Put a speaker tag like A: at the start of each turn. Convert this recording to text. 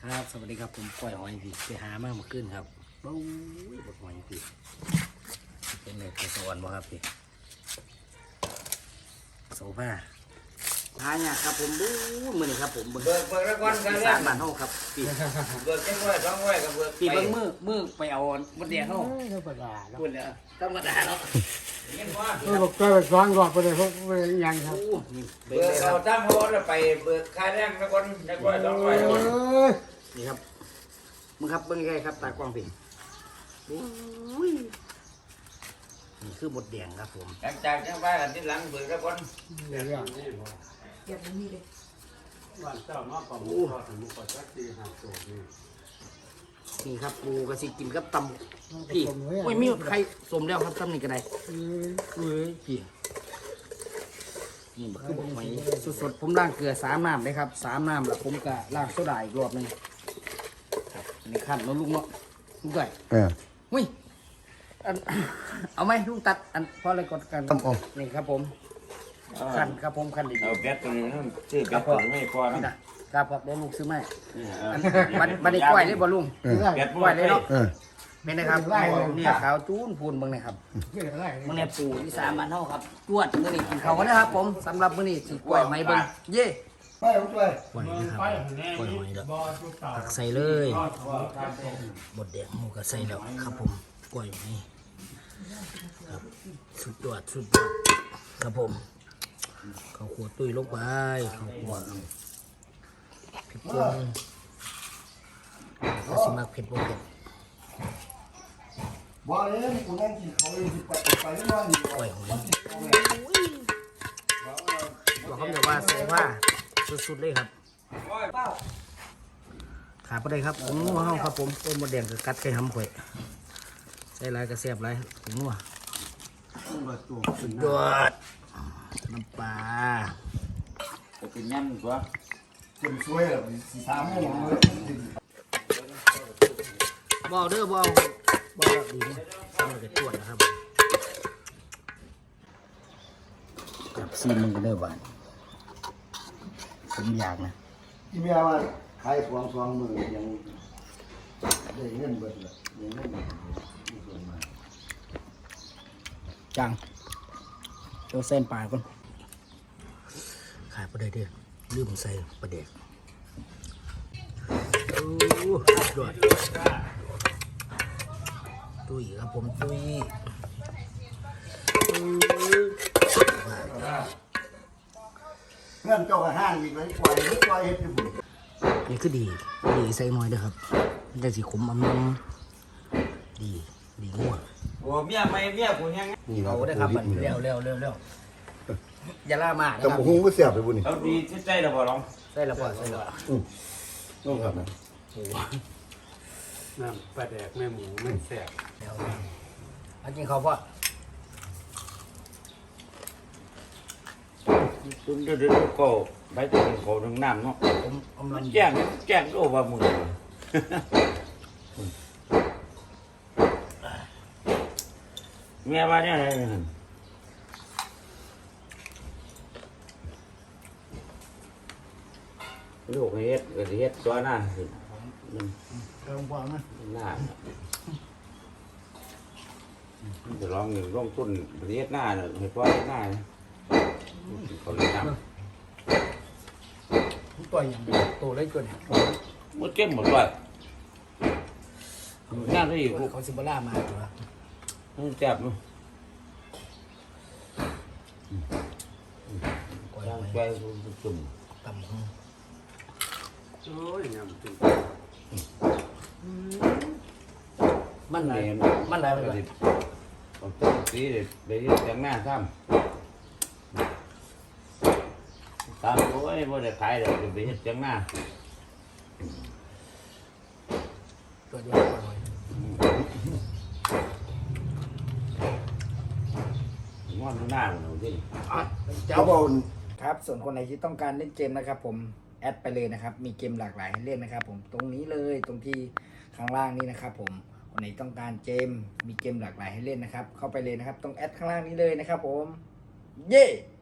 A: ครับสวัสดีครับผมปล่อยหอยพี่ไปหามาเมื่อคืนครับโอ้ยบดหอยพี่เป็นเลยเป็นสวรรค์บ่ครับพี่โซฟาหาเนี่ยครับผมบู๊มือนี่ครับผมเบิก
B: แล้วก่อนกัน
A: สามบาทเท่าครับพี่
B: เบิกแค่ว่า200กับเบิก
A: พี่เบิ้งมือไปเอาบดเดียวเท่า
C: ธรรมดาเนาะ
A: คุณเนี่ยธรรมดาเนาะ
B: เห็นว่า
C: บอกตัวไปซ้อนก่อนไปเลยเพราะยังครับ
A: โอ้นี่เบิ้
B: เบิ
A: ง
B: ก
A: เลยค
B: เอา
A: รับ
B: ตั้งโฮแล้วไปเบิกค่าแรงแล้วก่อนแล้วก็200
A: นี่ครับมึงครับเบิ้งใกล้ครับตากล้องพี่โอ้ยนี่คือบดแดงครับผม
B: หลังจากจังว่ากันที่หลังเบิกแล้วก่อน
C: เรื่อง
D: วันเจ้ามาประมูลก็ถึงมุกจักดีหาโจนี่
A: นี่ครับปูกระสิกินกับตำพี่โอ้ยมีใครสมแล้วครับตำนี่ก็ได้เอ้ยพี่นี่คือบอกไหมสดๆผมล้างเกลือ3 น้ำเลยครับ3 น้ำแล้วผมก็ล้างโซดาอีกรอบหนึงครับอันนี้ขั้นแล้วลุงเนาะลุงไก่เฮ้ยอัน เอาไหมลุงตัดอันเพราะอะไรกดกันนี่ครับผมขั้นครับผมขั้นดี
B: เอาแบตตัวนี้นั่นซื้อแบตตัวนี้ไม่พอ
A: นี่
B: นะ
A: นะครับครับเดี๋ยวลูกซื้อไหมาอันบันนี้กล้วยได้บ่ลุง
B: แบต
A: กล้วยได้เนาะ
E: เออ
A: ไม่นะครับเนี่ยขาวจูนพูนเบิ่งนะครับ
C: เรื่องอะไร
A: มื้อนี้ปู่ที่3 บ้านเฮาครับจวดมื้อนี้กินข้าวกันนะครับผมสำหรับมื้อนี้สิกล้วยไหมเบิ่งเย่
E: ไปผมช่วย
A: กล้วยนะครับกล้วยหอยแล้วตักใส่เลย บดแดงหมูก็ใส่แล้วครับผมกล้วยไหมครับสุดยอดครับผมข้าวคั่วตุ้ยลงไปข้าวคั่วพริกป่นก็สิมักเผ็ดบ่เผ็ด
E: บ่เลยกูนั่งกินเขาอยู่ไปไม่นอนอยู่
A: กล้วยหอยบอกเขาเลยว่าโซฟาสุดๆเลยครับขาไปเลยครับผมนัวเฮาครับผมต้มมดแดงกับกัดไข่หำข่อยใส่หลายกระเสียบหลายผมนัวสุดยอดน้ำปลา
B: จะเป็นยันตัว
E: คนช่วยแบบสี่สามโมงเลย
A: บ่เอาเด้อบ่เอาดีนะสำหรับเด็กตรวจนะครับกับซีมันก็เด้อบ้านผมอยากนะ
E: ที่แม่ว่าขาย2 มือยังได้เงินเบิดเลยยังเงินมีส่วนมา
A: จังโจเส้นปลาก่อนขายประเดี๋ยวเด้อลืมใส่ประเดี๋ยวโอ้ยอดตุ้ยครับผมตุ้ย
E: เงินเจ้าก็ห้างอีกเลยปล่อยเฮ็ดอยู่บุญ
A: นี่คือดีใส่หน่อยเด้อครับได้สีขมอำนำดีงัว
B: โอ้เมียไม่เมียกูยัง
E: นี่
A: เอาได้ครับมันเร็วอย่าล่ามากนะ
E: แต่
A: ครับ
E: บ่ฮู้ก็เสียบไปบุญนี่
B: เอาดีที่ใจเราบ่ลอง
A: ใส่และพอใส่และ
E: ต้องครับนะ
D: น้ำปลาแดกแม่หมูแม่แสบ
A: แล้วอันจริงเขาพ่อ
B: คุณเดี๋ยวก็ไปถึงเขาถึงน้ำเนาะ
A: ผมอำนำ
B: แจ้งโอ้ว่ามึงเมียว่าเนี่ยอะไรนั่นลูกเฮ็ดก็สิเฮ็ดตัวหน้าสิมัน
A: เติมความนะ
B: หน้ามันจะลองอยู่ลงต้นประเทศหน้าเนี่ยให้พ่อเฮ็ดหน้าเนี่ยเขาเลยท
A: ต่อยอย่างเดียวโตเลยเกิน
B: ำหมดเก็บหมดเลยหน้าที่อยู่
A: เขาซิบล่ามาตัว
B: มันจับมั้ย
A: ก่อย
B: ย่าง
A: หอย
B: ใจจุ่ม
A: ตำหู
D: โอ้ยยำจริง
A: มันไหล
B: เนี่ย
A: มันไหลไปเลย
B: ผมต้นสีเด็ดไปที่แต่งหน้าซ้ำตามตัวไอ้บ่ได้ขายเดี๋ยวไปเฮ็ดแต่งหน้า
A: ตัวเดียวก่อยหอย
B: งอนหน้ามันเอาดิ
A: เจ้าบอลครับส่วนคนไหนที่ต้องการเล่นเกมนะครับผมแอดไปเลยนะครับมีเกมหลากหลายให้เล่นนะครับผมตรงนี้เลยตรงที่ข้างล่างนี้นะครับผมคนไหนต้องการเกมมีเกมหลากหลายให้เล่นนะครับเข้าไปเลยนะครับตรงแอดข้างล่างนี้เลยนะครับผมเย้